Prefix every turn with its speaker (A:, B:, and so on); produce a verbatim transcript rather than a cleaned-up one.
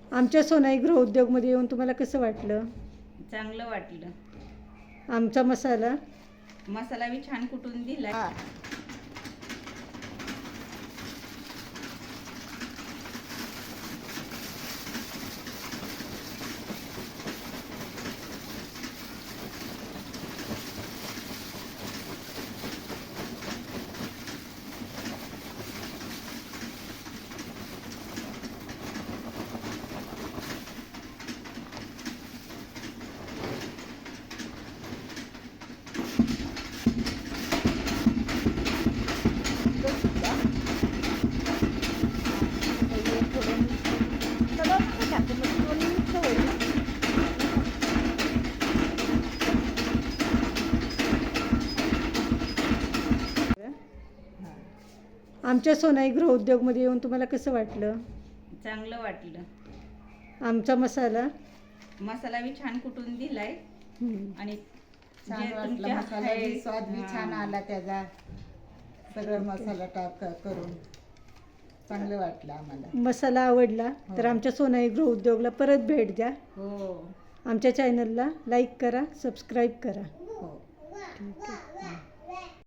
A: आमच्या सोनाई गृहउद्योगमध्ये येऊन तुम्हाला कसं वाटलं?
B: चांगलं वाटलं.
A: आमचा मसाला
B: मसाला बी छान कुटून दिला.
A: आमच्या सोनाई गृहउद्योगमध्ये येऊन तुम्हाला कसं वाटलं?
B: चांगलं वाटलं.
A: आमचा मसाला
B: मसाला बी छान कुटून दिलाय
A: हम्म.
B: आणि
C: छान
B: जे
C: वाटलं.
B: तुमच्या
C: मसाला बी
B: आहे-
C: स्वाद बी
B: हा.
C: छान आला त्याचा. सगळं मसाला टाक करून चांगलं वाटलं आम्हाला.
A: मसाला आवडला तर
C: हो.
A: आमच्या सोनाई गृहउद्योगला परत भेट द्या.
C: हो
A: आमच्या चॅनलला लाईक करा, सबस्क्राईब करा.
C: हो
A: ठीक आहे.